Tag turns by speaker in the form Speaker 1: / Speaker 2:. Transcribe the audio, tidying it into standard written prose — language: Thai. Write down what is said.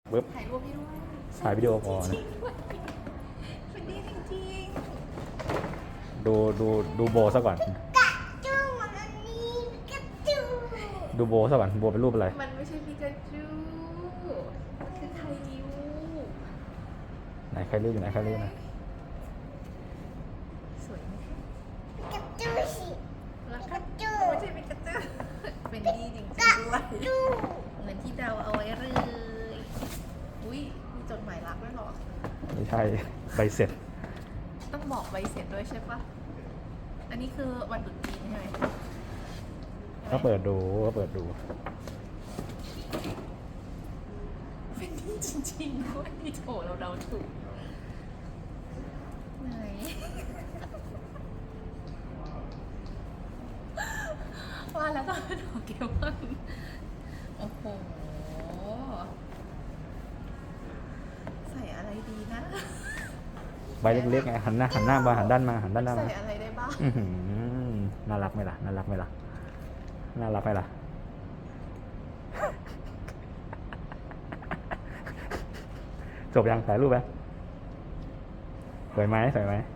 Speaker 1: ปึ๊บ
Speaker 2: ถ่ายรูปให้ด้วย
Speaker 1: ถ่ายวิดีโอพอนะ
Speaker 2: เป็นดีจริง
Speaker 1: ดูโบซะก่อน
Speaker 3: จูมันนี่กระจู
Speaker 1: ดูโบซะก่อนโบเป็นรูปอะไร
Speaker 2: ๆมันไม่ใช่ปิกาจูมันคือไคริว
Speaker 1: ไหนใครรูปอยู่ไหนใครรูปนะ
Speaker 2: สวยไหมคะ
Speaker 3: กระจูสิ
Speaker 2: แล้ว
Speaker 3: ก
Speaker 2: ก็
Speaker 3: ระจู
Speaker 2: ไม่ใช่ปิกาจูเป็นดีจริงๆ
Speaker 3: กระ
Speaker 2: ด้วย
Speaker 3: จู
Speaker 2: เหมือนที่เดาเอาไว้เลย อุ้ยมีจดหมายรักด้วยเหรอ
Speaker 1: ไม่ใช่ใบเสร็จ
Speaker 2: ต้องบอกใบเสร็จด้วยใช่ปะอันนี้คือวันตรุษจีนใช่ไหม
Speaker 1: ก็เปิดดู
Speaker 2: เป็นดีจริงๆด้วยที่โถเราเดาถูกไหน ว่าแล้วต้องเป็นโปเกมอนโอ้โห ใส่อะไรดีนะ
Speaker 1: ใบเล็กๆไงหันหน้ามาหันด้านมา
Speaker 2: ใส่อะไรได้บ้าง
Speaker 1: อื้อหือน่ารักไหมล่ะจบยังถ่ายรูปไหมสวยไหม